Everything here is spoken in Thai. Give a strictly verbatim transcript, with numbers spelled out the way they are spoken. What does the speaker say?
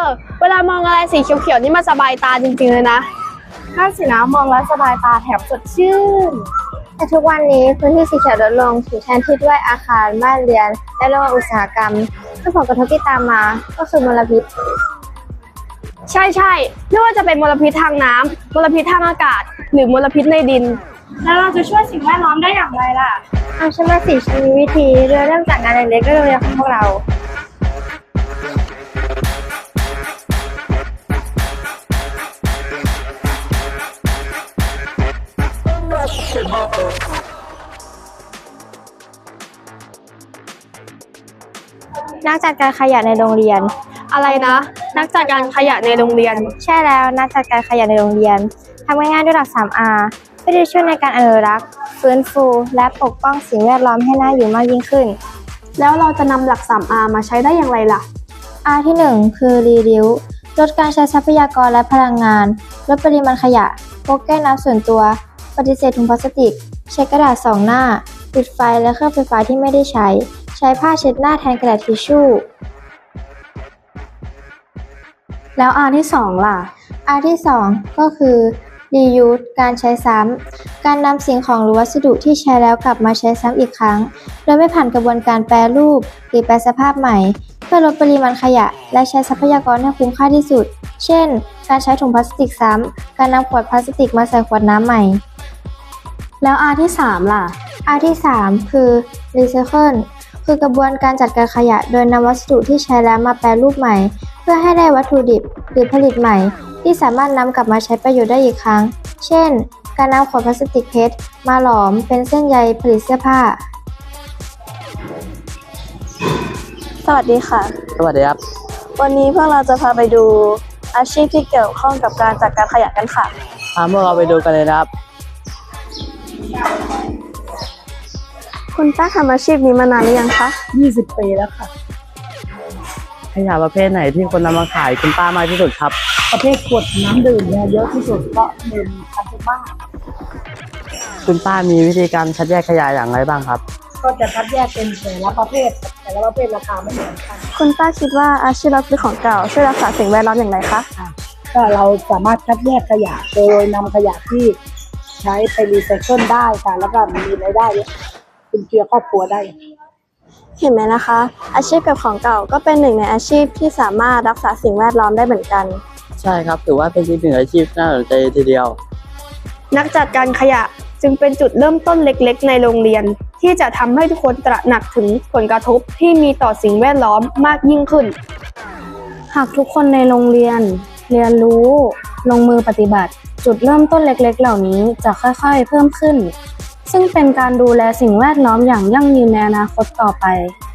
อเวลามองอะไรสีเขียวๆนี่มันสบายตาจริงๆเลยนะนั่นสินะมองแล้วสบายตาแถมสดชื่นแต่ทุกวันนี้พื้นที่สีเขียวลดลงถูกแทนที่ด้วยอาคารบ้านเรือนและโรงงานอุตสาหกรรมซึ่งผลกระทบที่ตามมาก็คือมลพิษใช่ใช่ไม่ว่าจะเป็นมลพิษทางน้ำมลพิษทางอากาศหรือมลพิษในดินแล้วเราจะช่วยสิ่งแวดล้อมได้อย่างไรล่ะเอาฉันมาสิฉันมีวิธีเริ่มจากงานเล็กๆก็โรงเรียนของพวกเรานักจัดการขยะในโรงเรียนอะไรนะนักจัดการขยะในโรงเรียนใช่แล้วนักจัดการขยะในโรงเรียนทำง่ายๆด้วยหลัก สาม อาร์ เพื่อที่จะช่วยในการอนุรักษ์ฟื้นฟูและปกป้องสิ่งแวดล้อมให้น่าอยู่มากยิ่งขึ้นแล้วเราจะนำหลัก สาม อาร์ มาใช้ได้อย่างไรล่ะ R ที่หนึ่งคือ Reduce ลดการใช้ทรัพยากรและพลังงานลดปริมาณขยะพกแก้วน้ำส่วนตัวปฏิเสธถุงพลาสติกใช้กระดาษสองหน้าปิดไฟและเครื่องไฟฟ้าที่ไม่ได้ใช้ใช้ผ้าเช็ดหน้าแทนกระดาษทิชชู่แล้ว R ที่สองล่ะ R ที่สองก็คือ Reuse การใช้ซ้ำการนำสิ่งของหรือวัสดุที่ใช้แล้วกลับมาใช้ซ้ำอีกครั้งโดยไม่ผ่านกระบวนการแปรรูปหรือแปรสภาพใหม่เพื่อลดปริมาณขยะและใช้ทรัพยากรให้คุ้มค่าที่สุดเช่นการใช้ถุงพลาสติกซ้ำการนำขวดพลาสติกมาใส่ขวดน้ำใหม่แล้ว R ที่สามล่ะ R ที่สามคือ Recycle คือกระบวนการจัดการขยะโดยนำวัสดุที่ใช้แล้วมาแปรรูปใหม่เพื่อให้ได้วัตถุดิบหรือผลิตใหม่ที่สามารถนำกลับมาใช้ประโยชน์ได้อีกครั้งเช่นการนำขวดพลาสติกเพชรมาหลอมเป็นเส้นใยผลิตเสื้อผ้าสวัสดีค่ะสวัสดีครับวันนี้พวกเราจะพาไปดูอาชีพที่เกี่ยวข้องกับการจัดการขยะกันค่ะพาพวกเราไปดูกันเลยนะครับคุณป้าทำอาชีพนี้มานานหรือยังคะยี่สิบปีแล้วค่ะขยะประเภทไหนที่คนนำมาขายคุณป้ามากที่สุดครับประเภทขวดน้ำดื่มเนี่ยเยอะที่สุดเพราะหนึ่งคันทุกบ้านคุณป้ามีวิธีการคัดแยกขยะอย่างไรบ้างครับก็จะคัดแยกเป็นแต่ละประเภทแต่ละประเภทราคาไม่เหมือนกันคุณป้าคิดว่าอาชีพรับซื้อของเก่าช่วยรักษาสิ่งแวดล้อมอย่างไรคะก็เราสามารถคัดแยกขยะโดยนำขยะที่ใช้ไปรีไซเคิลได้ค่ะแล้วก็มีรายได้เป็นเชื้อครอบครัวได้เห็นไหมนะคะอาชีพเก็บของเก่าก็เป็นหนึ่งในอาชีพที่สามารถรักษาสิ่งแวดล้อมได้เหมือนกันใช่ครับถือว่าเป็นอีกหนึ่งอาชีพน่าสนใจทีเดียวนักจัดการขยะจึงเป็นจุดเริ่มต้นเล็กๆในโรงเรียนที่จะทำให้ทุกคนตระหนักถึงผลกระทบที่มีต่อสิ่งแวดล้อมมากยิ่งขึ้นหากทุกคนในโรงเรียนเรียนรู้ลงมือปฏิบัติจุดเริ่มต้นเล็กๆเหล่านี้จะค่อยๆเพิ่มขึ้นซึ่งเป็นการดูแลสิ่งแวดล้อมอย่างยั่งยืนในอนาคตต่อไป